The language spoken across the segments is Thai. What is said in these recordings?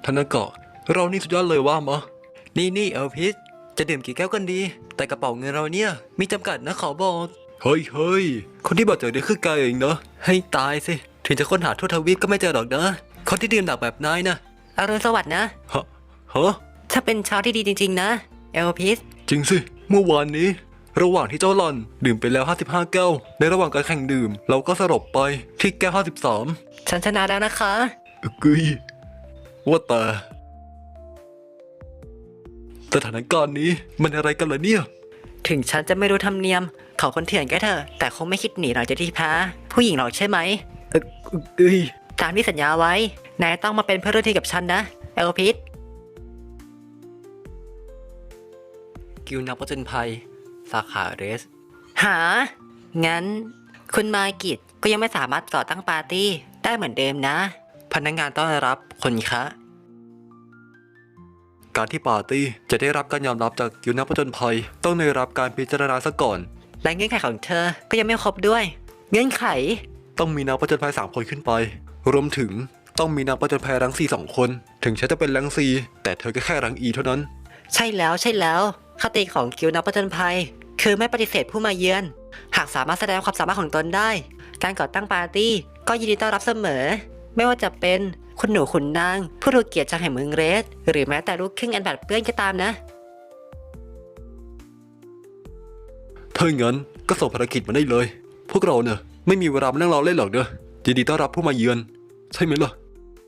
ธนากะเรานี่สุดยอดเลยว่ามะนี่เอลพิสจะดื่มกี่แก้วกันดีแต่กระเป๋าเงินเราเนี่ยมีจำกัดนะขอบอกเฮ้ยคนที่บาดเจ็บเนี่ยคือกายเองเนาะให้ตายสิถึงจะค้นหาทั่วทวีปก็ไม่เจอหรอกนะคนที่ดื่มหนักแบบนายนะอรุณสวัสดิ์นะฮะถ้าเป็นเช้าที่ดีจริงๆนะเอลพิสจริงสิเมื่อวานนี้ระหว่างที่เจ้าหลอนดื่มไปแล้ว55แก้วในระหว่างการแข่งดื่มเราก็สลบไปที่แก้ว53 ฉันชนะแล้วนะคะกึยว่าแต่สถานการณ์นี้มันอะไรกันล่ะเนี่ยถึงฉันจะไม่รู้ธรรมเนียมเขาคนเถื่อนก็เถอะแต่คงไม่คิดหนีหลังจากที่แพ้ผู้หญิงหรอกใช่ไหมตามที่สัญญาไว้นายต้องมาเป็นเพื่อนร่วมทีมกับฉันนะเอลพิสกิลนักผจญภัยสาขาเรสหางั้นคุณมากิจก็ยังไม่สามารถก่อตั้งปาร์ตี้ได้เหมือนเดิมนะพนักงานต้อนรับคนคะการที่ปาร์ตี้จะได้รับการยอมรับจากกิลนักผจญภัยต้องได้รับการพิจารณาซะก่อนและเงื่อนไขของเธอก็ยังไม่ครบด้วยเงื่อนไขต้องมีนักผจญภัย3 คนขึ้นไปรวมถึงต้องมีนักผจญภัยรังซี2 คนถึงฉันจะเป็นรังซีแต่เธอก็แค่รังอีเท่านั้นใช่แล้วคติของกิลนักผจญภัยคือไม่ปฏิเสธผู้มาเยือนหากสามารถแสดงความสามารถของตนได้การก่อตั้งปาร์ตี้ก็ยินดีต้อนรับเสมอไม่ว่าจะเป็นคุณหนูขุนนางผู้ถูกเกียรติจากแห่งเมืองเรสหรือแม้แต่ลูกครึ่งอันบัดเปื้อนก็ตามนะถ้าอย่างนั้นก็ส่งภารกิจมาได้เลยพวกเราเนี่ยไม่มีเวลามานั่งรอเล่นหรอกเนอะยินดีต้อนรับผู้มาเยือนใช่ไหมล่ะ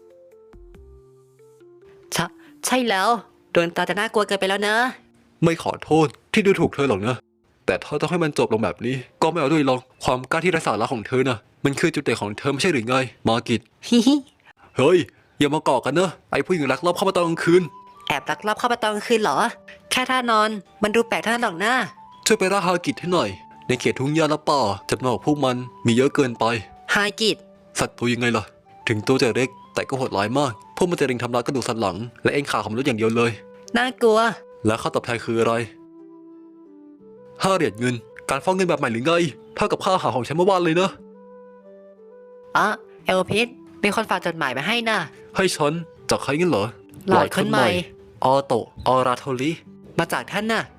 ใช่แล้วโดนตาจะน่ากลัวเกินไปแล้วนะไม่ขอโทษที่ดูถูกเธอหรอกนะแต่ถ้าต้องให้มันจบลงแบบนี้ก็ไม่เอาด้วยหรอกความกล้าที่ไร้สาระของเธอน่ะมันคือจุดเด่นของเธอไม่ใช่หรือไงมากิจฮิเฮ้ยอย่ามาเกาะกันเนอะไอ้ผู้หญิงลักลอบเข้ามาตอนกลางคืนแอบลักลอบเข้ามาตอนกลางคืนเหรอแค่ท่านอนมันดูแปลกเท่านั้นหรอกนะช่วยไปล่าฮากิจให้หน่อยในเขตทุ่งหญ้าและป่าจำนวนของพวกมันมีเยอะเกินไปฮากิจสัตว์ตัวยังไงล่ะถึงตัวจะเล็กแต่ก็โหดร้ายมากพวกมันจะเล็งทำร้ายกระดูกสันหลังและเอ็นขาของมนุษย์อย่างเดียวเลยน่ากลัวและค่าตอบแทนคืออะไร5 เหรียญเงินการฟ้องเงินแบบใหม่หรือไงเท่ากับค่าอาหารของฉันเมื่อวานเลยนะเอลพิสมีคนฝากจดหมายมาให้น่ะให้ฉันจากใครงั้นเหรอหลอดคนใหม่ออโตออราโทลีมาจากท่านน่ะ